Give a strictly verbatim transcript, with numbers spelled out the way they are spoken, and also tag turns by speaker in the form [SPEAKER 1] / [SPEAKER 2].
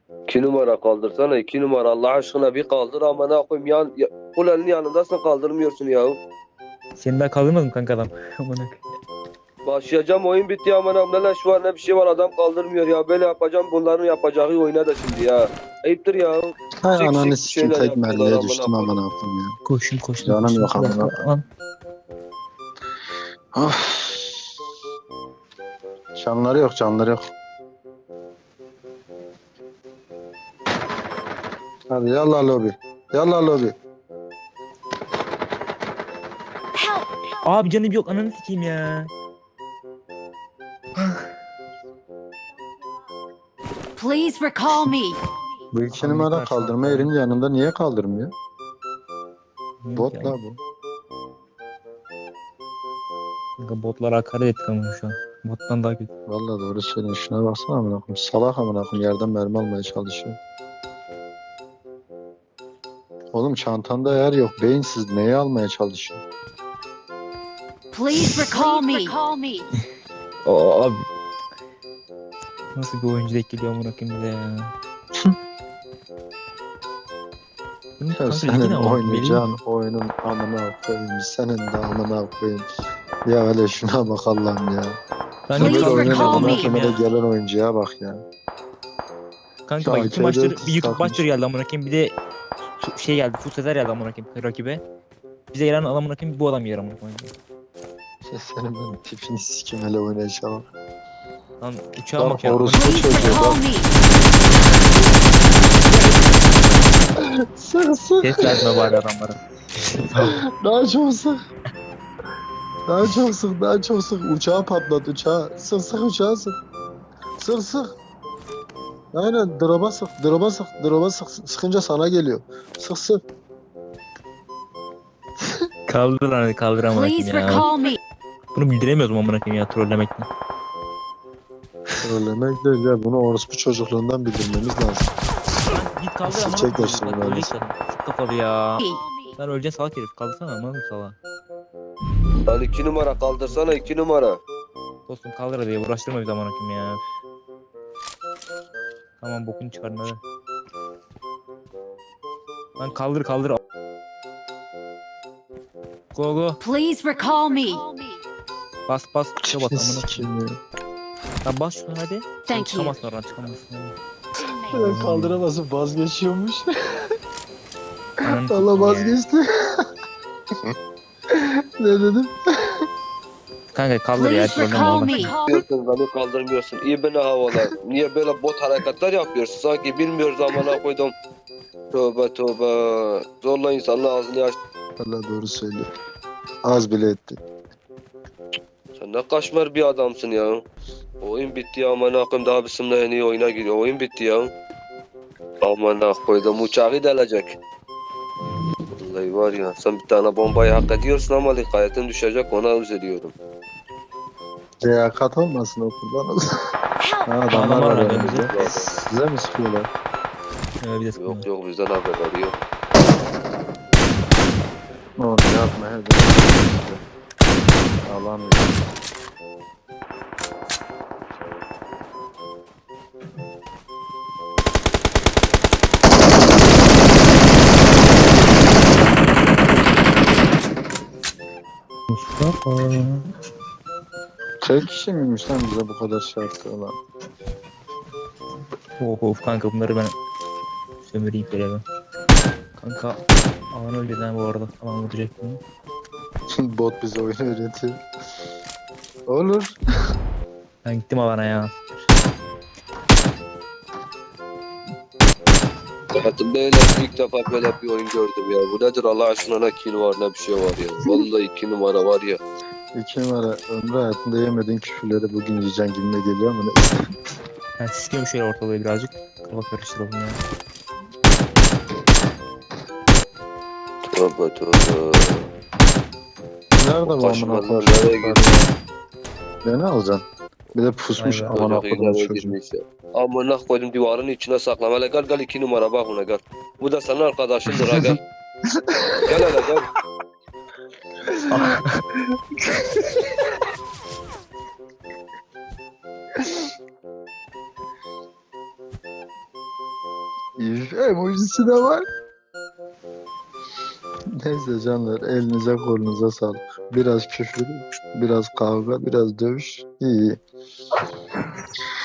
[SPEAKER 1] İki numara kaldırsana, iki numara Allah aşkına bir kaldır ama ne yapayım yan, ya, kulenin yanındasın kaldırmıyorsun ya.
[SPEAKER 2] Senin daha kaldırmadın mı kanka adam? Amına.
[SPEAKER 1] Başlayacağım oyun bitti ama ne leş var ne bir şey var adam kaldırmıyor ya. Böyle yapacağım bunların yapacağı oyuna da şimdi ya. Ayıptır ya.
[SPEAKER 3] Hay
[SPEAKER 1] Sik
[SPEAKER 3] ananı
[SPEAKER 1] sik
[SPEAKER 3] sikim
[SPEAKER 1] şeyler
[SPEAKER 3] tek
[SPEAKER 1] yapıyorlar
[SPEAKER 3] mermiye
[SPEAKER 1] amına
[SPEAKER 3] düştüm
[SPEAKER 1] koyayım.
[SPEAKER 3] amına koyayım ya.
[SPEAKER 2] Koşun koşun.
[SPEAKER 3] Canım
[SPEAKER 2] koşun.
[SPEAKER 3] yok
[SPEAKER 2] Bir dakika,
[SPEAKER 3] amına.
[SPEAKER 2] lan.
[SPEAKER 3] Of. Canları yok canları yok. Hadi yallah lobi. Yallah lobi.
[SPEAKER 2] Abi canım yok ananı sikeyim ya.
[SPEAKER 4] Please recall me.
[SPEAKER 3] Bu iki
[SPEAKER 2] Kanka
[SPEAKER 3] numara
[SPEAKER 2] var,
[SPEAKER 3] kaldırma
[SPEAKER 2] kanka.
[SPEAKER 3] yerin yanında niye kaldırmıyor? Bot
[SPEAKER 2] Ya.
[SPEAKER 3] la bu.
[SPEAKER 2] Kanka botlara hakaret ettik ama şu an. Bottan daha kötü.
[SPEAKER 3] Vallahi doğru söylüyorsun. Şuna baksana amına koyayım. Salak amına koyayım yerden mermi almaya çalışıyor. Oğlum çantanda yer yok. Beyinsiz neyi almaya çalışıyor?
[SPEAKER 4] Please recall me. Recall me.
[SPEAKER 2] Aa, abi. Nasıl bir oyuncu denk geliyor amına koyayım bize ya. Bunun
[SPEAKER 3] Ya
[SPEAKER 2] kanka
[SPEAKER 3] senin
[SPEAKER 2] ligin ama
[SPEAKER 3] oynayacağın oyunun amına koyayım. Senin de amına koyayım. Ya öyle şuna bak Allah'ım ya.
[SPEAKER 2] Ben
[SPEAKER 4] Please
[SPEAKER 3] Böyle
[SPEAKER 2] de
[SPEAKER 3] oynayan
[SPEAKER 4] recall
[SPEAKER 3] amına
[SPEAKER 4] me.
[SPEAKER 3] koyayım da gelen oyuncuya bak ya.
[SPEAKER 2] Kanka
[SPEAKER 3] Ya
[SPEAKER 2] bak iki
[SPEAKER 3] içeride
[SPEAKER 2] maçtır
[SPEAKER 3] tuz
[SPEAKER 2] bir YouTube
[SPEAKER 3] takmış.
[SPEAKER 2] maçtır geldi amına koyayım bir de su- şey geldi Full Sezer geldi amına koyayım rakibe. Bize gelen adam amına koyayım bu adam yer amına koyayım.
[SPEAKER 3] Ya senin ben tipini sikim hele oynayışa bak.
[SPEAKER 2] Lan uçağa
[SPEAKER 3] Lan
[SPEAKER 2] bak ya.
[SPEAKER 3] orospu
[SPEAKER 4] Please
[SPEAKER 3] çocuğu
[SPEAKER 4] recall
[SPEAKER 3] bak.
[SPEAKER 4] me.
[SPEAKER 3] Sık sık.
[SPEAKER 2] Ses verme bari adamlara.
[SPEAKER 3] Daha çok sık. Daha çok sık, daha çok sık. Uçağı patlat uçağı. Sık sık uçağı sık. Sık sık. Aynen drop'a sık, drop'a sık, drop'a sık. Sıkınca sana geliyor. Sık sık.
[SPEAKER 2] Kaldır lan hadi kaldır amına
[SPEAKER 4] Please
[SPEAKER 2] koyayım ya.
[SPEAKER 4] recall me.
[SPEAKER 2] Bunu bildiremiyoruz mu amına koyayım ya trollemekten.
[SPEAKER 3] Söylemek değil ya. Bunu orospu çocukluğundan bildirmemiz lazım.
[SPEAKER 2] Lan git kaldır amına
[SPEAKER 3] Çek
[SPEAKER 2] koyayım.
[SPEAKER 3] başını
[SPEAKER 2] Bak
[SPEAKER 3] ben.
[SPEAKER 2] ölecek zaten. Sık kafalı ya. Sen öleceksin salak herif. Kaldırsana amına koyayım salağa.
[SPEAKER 1] Lan iki numara kaldırsana iki numara.
[SPEAKER 2] Dostum kaldır hadi ya uğraştırma bizi amına koyayım ya. Tamam bokunu çıkarın hadi. Lan kaldır kaldır. Go go.
[SPEAKER 4] Please recall me.
[SPEAKER 2] Bas bas tuşa bas amına koyayım.
[SPEAKER 3] Sikeyim ya.
[SPEAKER 2] Lan bas şuna hadi.
[SPEAKER 4] Thank you.
[SPEAKER 2] Çıkamazsın oradan çıkamazsın. hadi.
[SPEAKER 3] Ben kaldıramasın vazgeçiyormuş.
[SPEAKER 2] Ananı
[SPEAKER 3] Allah
[SPEAKER 2] sikeyim ya.
[SPEAKER 3] vazgeçti. Ne dedim?
[SPEAKER 2] Kanka kaldır ya.
[SPEAKER 4] Please
[SPEAKER 2] trolleme
[SPEAKER 4] recall
[SPEAKER 2] amına
[SPEAKER 4] me.
[SPEAKER 2] koyayım.
[SPEAKER 1] Diyorsun beni kaldırmıyorsun. İyi beni havalar. Niye böyle bot hareketler yapıyorsun? Sanki bilmiyoruz amına koydum. Tövbe tövbe. Zorla insanın ağzını aç.
[SPEAKER 3] Allah doğru söylüyor. Az bile etti.
[SPEAKER 1] Sen ne kaşmer bir adamsın ya. Oyun bitti ya amına koyayım daha bizimle en iyi oyuna giriyor. Oyun bitti ya. Amına koydum uçağı delecek. Vallahi var ya sen bir tane bombayı hak ediyorsun ama dikkatin düşecek ona üzülüyorum.
[SPEAKER 3] Liyakat olmasın o kurban olsun.
[SPEAKER 4] Help.
[SPEAKER 3] Ha, adamlar
[SPEAKER 2] Adamlar
[SPEAKER 3] var
[SPEAKER 2] var
[SPEAKER 3] önümüzde.
[SPEAKER 2] önümüzde.
[SPEAKER 3] Size mi sıkıyorlar?
[SPEAKER 2] Ee, bir de sıkıntı.
[SPEAKER 1] Yok yok bizden haberleri yok.
[SPEAKER 3] Oğlum yapma hadi. Alamıyorum.
[SPEAKER 2] Mustafa.
[SPEAKER 3] Tek kişi miymiş lan bize bu kadar şey yaptı lan?
[SPEAKER 2] Of of kanka bunları ben sömüreyim böyle ben. Kanka alan öldü lan bu arada. Alan vuracak bunu.
[SPEAKER 3] Bot bize oyunu öğretiyor. Olur.
[SPEAKER 2] Ben gittim alana ya.
[SPEAKER 1] Hayatımda öyle ilk defa böyle bir oyun gördüm ya. Bu nedir Allah aşkına ne kill var ne bir şey var ya. Vallahi iki numara var ya.
[SPEAKER 3] İki numara ömrü hayatında yemediğin küfürleri bugün yiyeceksin gibime geliyor ama neyse.
[SPEAKER 2] Ben sikiyorum şöyle ortalığı birazcık. Kafa karıştıralım ya.
[SPEAKER 1] Tövbe tövbe.
[SPEAKER 3] Nerede bu
[SPEAKER 1] Kaşınlar
[SPEAKER 3] amına
[SPEAKER 1] nereye
[SPEAKER 3] koyayım?
[SPEAKER 1] gidiyor?
[SPEAKER 3] Beni alacaksın. Bir de pusmuş
[SPEAKER 2] Vay be.
[SPEAKER 3] amına
[SPEAKER 1] Çocuk
[SPEAKER 3] koyduğum
[SPEAKER 1] nereye
[SPEAKER 3] çocuğu.
[SPEAKER 1] girmiş ya. Amına koydum duvarın içine saklam. Hele gel gel iki numara bak buna gel. Bu da senin arkadaşındır ha gel. Gel hele gel.
[SPEAKER 3] Üf, emojisi de var. Neyse canlar, elinize kolunuza sağlık. Biraz küfür, biraz kavga, biraz dövüş. İyi. iyi.